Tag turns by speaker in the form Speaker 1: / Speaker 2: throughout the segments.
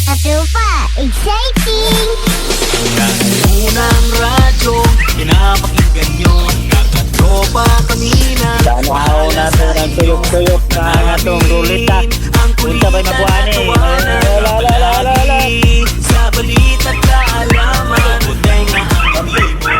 Speaker 1: Katupa, exciting!
Speaker 2: Unang radyo, pinapakinggan nyo. Nakatropa kanina.
Speaker 3: Danaw natin ang tuyok-tuyok na atong rulita. Punta ba'y mabuhan eh? Lala.
Speaker 2: Sa balita't kaalaman, buday nga ang mo.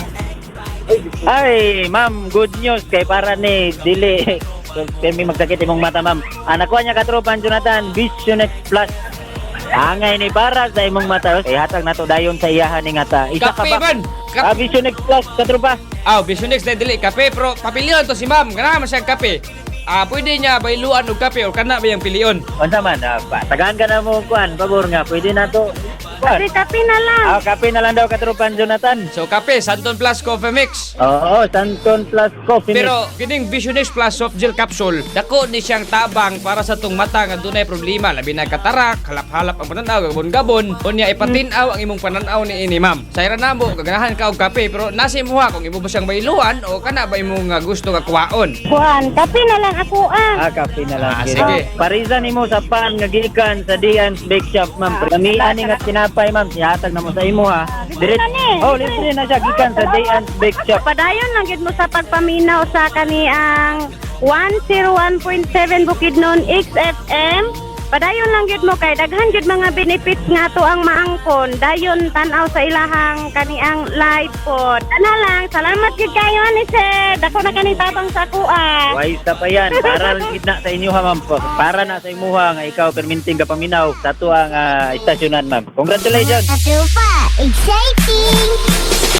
Speaker 3: Ay, ma'am, good news kay para ni dili. Kami magsakit imong mata, ma'am. Anak ko niya katropan Jonathan, Vision X Plus. Angay ni para sa imong mata. Kay hatag na to dayon sa iyahan ni ngata. Isa ka
Speaker 4: Kape
Speaker 3: ba?
Speaker 4: man.
Speaker 3: Vision X Plus katropa.
Speaker 4: Vision X na dili kape pero papilion to si ma'am. Ganahan man siyang kape. Pwede niya bailuan og kape o kana ba yung pilion?
Speaker 3: Unsa man, tagaan ka na mo kuan, pabor nga. Pwede na to. Kuan.
Speaker 1: Kape na lang.
Speaker 3: Kape na lang daw katropan Jonathan.
Speaker 4: So kape, Santon Plus Coffee Mix.
Speaker 3: Oo, Santon Plus Coffee Mix.
Speaker 4: Pero kining Vision X Plus soft gel capsule, dako ni siyang tabang para sa tong mata nga dunay problema labi na katarak, halap-halap ang pananaw, gabon-gabon, unya ipatin-aw ang imong pananaw ni ini ma'am. Sayra namo gaganahan ka og kape pero nasi mo ha kung imo ba siyang bailuan o kana ba imong gusto nga kuwaon.
Speaker 1: Kuan, kape na lang ako
Speaker 3: Kape na lang.
Speaker 4: Sige.
Speaker 3: Parisan nimo sa pan nga gikan sa Dian's Bake Shop, ma'am. Kamian ni nga tinapay, ma'am. Sihatag na mo sa imo ha.
Speaker 1: Libre na ni.
Speaker 3: Libre na siya gikan sa Dian's Bake Shop.
Speaker 1: Padayon lang gid mo sa pagpaminaw sa kaniang 101.7 Bukidnon XFM. Padayon lang gid mo kay daghan gid mga benefits nga to ang maangkon. Dayon tan-aw sa ilahang kaniang live pod. Ana lang, salamat gid kayo ni sir. Dako na kani tabang sa kuha.
Speaker 3: Wais pa yan. Para gid na sa inyo ha, ma'am. Para na sa imo ha nga ikaw perminting ka paminaw sa tuang istasyonan, ma'am. Congratulations.
Speaker 1: Katupa, exciting!